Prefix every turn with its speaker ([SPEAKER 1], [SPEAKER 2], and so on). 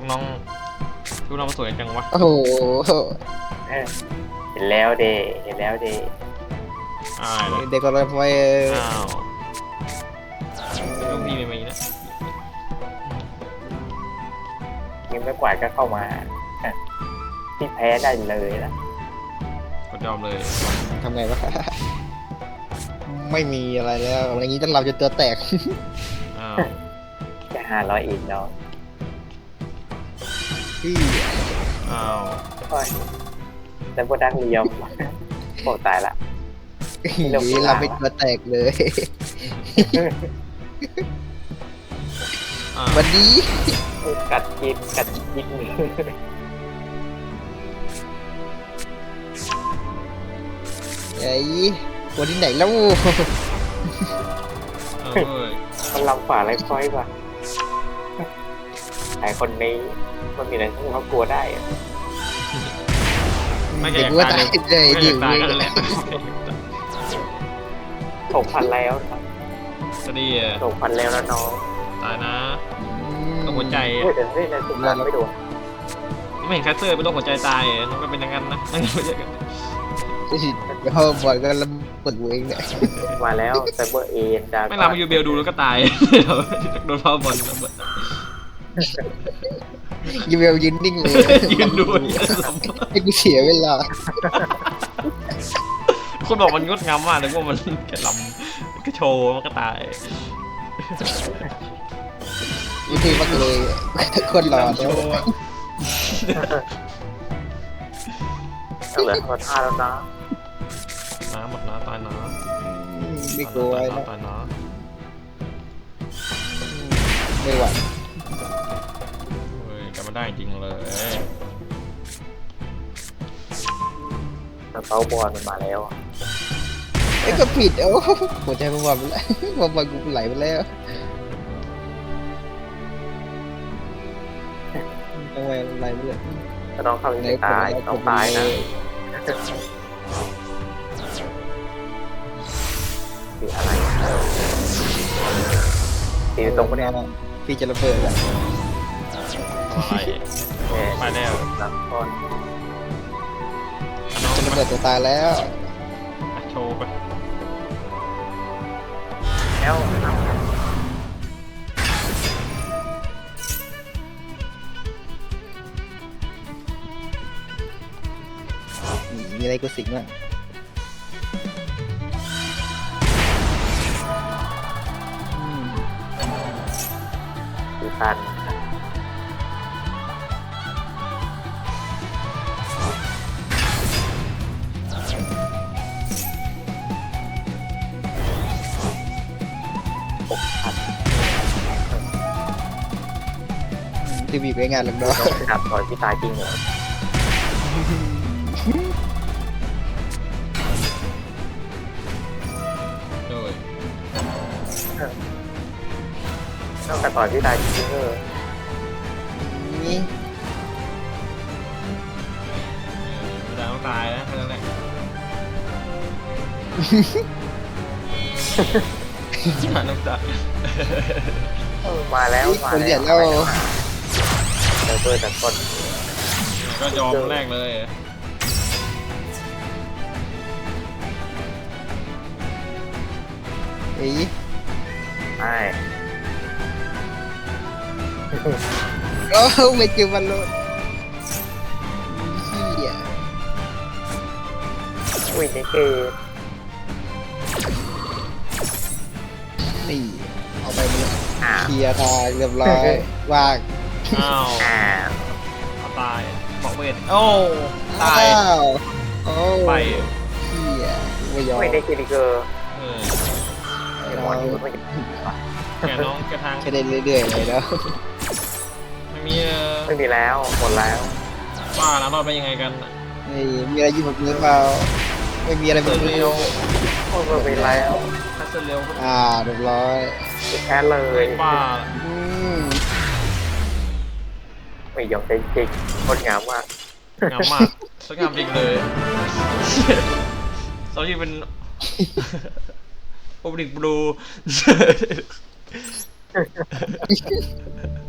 [SPEAKER 1] น้องชุดน้องสวยจังวะ
[SPEAKER 2] โอ้โห
[SPEAKER 3] เห็นแล้วเดเห็นแล้วเด
[SPEAKER 2] เด็กก็เลยไป
[SPEAKER 1] อ้าวลูกพี่ไม่มีนะ
[SPEAKER 3] ยิงไม่กวาดก็เข้ามาที่แพ้ได้เลยนะ
[SPEAKER 1] กดยอมเลย
[SPEAKER 2] ทำไงวะไม่มีอะไรแล้วอะไรอย่างนี้เราจะตัวแตก
[SPEAKER 1] อ้าว
[SPEAKER 3] จะ500อีกเนาะ
[SPEAKER 2] พี่
[SPEAKER 1] อ้าว
[SPEAKER 3] แล้วพวกดักเลียมโอ้ตายละ
[SPEAKER 2] เราไม่ตัวแตกเลย
[SPEAKER 1] อ้าว
[SPEAKER 2] วันนี้
[SPEAKER 3] กัดยิง
[SPEAKER 2] ไอ้คนที่ไหนแล้ว
[SPEAKER 1] เอ้ย
[SPEAKER 3] มันลำฝ่าไรค่อยป่ะไอคนนี้มันมีอะไรที่เขากลัวได้อะ
[SPEAKER 1] ไม่แก่
[SPEAKER 2] เด็กว่า
[SPEAKER 1] ตา
[SPEAKER 2] ตาย ย
[SPEAKER 1] เลย
[SPEAKER 2] เลย
[SPEAKER 1] ไม่
[SPEAKER 2] ดิ
[SPEAKER 1] แก่ตายกันแหละ
[SPEAKER 3] 6,000แล้ว
[SPEAKER 1] จะดี
[SPEAKER 3] 6,000แล้วนะน้อง
[SPEAKER 1] ตายนะต้องหัวใจ
[SPEAKER 3] เฮ้ยแต่เฮ้ยในสุดท้ายไม่โดน
[SPEAKER 1] ไม่เห็นแคสเตอร์เป็นโรคหัวใจตายน้องก็เป็นอย่างนั้นนะนั่นไม่ใช่กัน
[SPEAKER 2] เดี๋ยวบอลก็ระเบิดเองเนี่ย
[SPEAKER 3] มาแล้วไซเบอร์เอ็นดา
[SPEAKER 1] ไม่ลามายูเบลดูแล้วก็ตายโดนพาวบอล
[SPEAKER 2] ยูเวลยืนนิ่งเลย
[SPEAKER 1] ยืนดู
[SPEAKER 2] ให้กูเสียเวลา
[SPEAKER 1] คนบอกมันงดงามมากเลยว่ามันแค่ลำก็โชว์มันก็ตาย
[SPEAKER 2] วิธีมากเลยคนรอ
[SPEAKER 1] โชว์อะ
[SPEAKER 3] เหลือคน5แล้วนะ
[SPEAKER 1] น้ำหมดน้ำตายน้
[SPEAKER 2] ไม่กลัวนะ
[SPEAKER 1] ตายน้
[SPEAKER 2] ไม่ไหว
[SPEAKER 1] เฮ้ยกลับมาได้จริงเลย
[SPEAKER 3] แต่เป้าบอลมันมาแล้ว
[SPEAKER 2] ไอ้ก็ผิดโอ้หัวใจมันบอลไปแล้วบอลกูไหลไปแล้วทำไมไหลไปเลย
[SPEAKER 3] ก็ต้องเข้าไปตายต้องตายนะสีอะไรสีตรงพวกนี้
[SPEAKER 2] พี่จะระเบิดแล้ว
[SPEAKER 1] ไปแล้ว
[SPEAKER 3] หลังก้อน
[SPEAKER 1] น้อง
[SPEAKER 2] จะระเบิดตัวตายแล้ว
[SPEAKER 1] โชว์ไป
[SPEAKER 3] แล้ว
[SPEAKER 2] มีอะไรกูสิงบ้าง
[SPEAKER 3] สีตัน
[SPEAKER 2] ทีวีไปงานหลังดอ
[SPEAKER 3] ต้องขับต่อยพี่ตายจริงเหรอ
[SPEAKER 1] โดย
[SPEAKER 3] ต้องขับต่อยพี่ตายจริงเหรอ
[SPEAKER 2] นี่
[SPEAKER 1] จะต้องตายนะแค่นั้นแหละน้ำตา
[SPEAKER 3] มาแล้วมา
[SPEAKER 2] คนเดี
[SPEAKER 3] แล้
[SPEAKER 2] ยว วแล้ว
[SPEAKER 3] เจอเบอร์แต่คน
[SPEAKER 1] ก็ยอมแรกเลย
[SPEAKER 2] เอ้ย
[SPEAKER 3] ใช่
[SPEAKER 2] โอ้ไม่เจอบอลลูนเฮีย
[SPEAKER 3] อุ้ยนี่เกม
[SPEAKER 2] นี่เอาไปเลย
[SPEAKER 3] อ้าว
[SPEAKER 2] เคลียร์ทางเรียบร้อยว่าง
[SPEAKER 1] อ้าว
[SPEAKER 3] อ้าว
[SPEAKER 1] เอาตายบอกเวทโอ้ตาย
[SPEAKER 2] อ้าวโอ้
[SPEAKER 1] ไป
[SPEAKER 2] เฮียไม่ยอม
[SPEAKER 3] ไม่ได้คิริเกอร์
[SPEAKER 1] เออ
[SPEAKER 3] ไอ้หมอนนี่มันไม่
[SPEAKER 1] แกน้องแกทาง
[SPEAKER 2] ใช้ได้เรื่อยๆเลยแล้ว
[SPEAKER 1] ไม่มี
[SPEAKER 3] ไม่มีแล้วหมดแล้ว
[SPEAKER 1] ว่านะรอดไปยังไงกัน
[SPEAKER 2] นี่มีอะไรอยู่บนมือเปล่าไม่มีอะไรบนมือ
[SPEAKER 3] โอ้ไม่มีแล้ว
[SPEAKER 1] ถ้าเสร็จเร็วก็
[SPEAKER 2] เรียบร้อย
[SPEAKER 3] แค่เลย
[SPEAKER 1] ป้า
[SPEAKER 2] อืม
[SPEAKER 3] ไม่ยอมใจจริงงดงามมาก
[SPEAKER 1] งามมากสวยงามจริงเลยสาวที่เป็นโอเปนิกบลู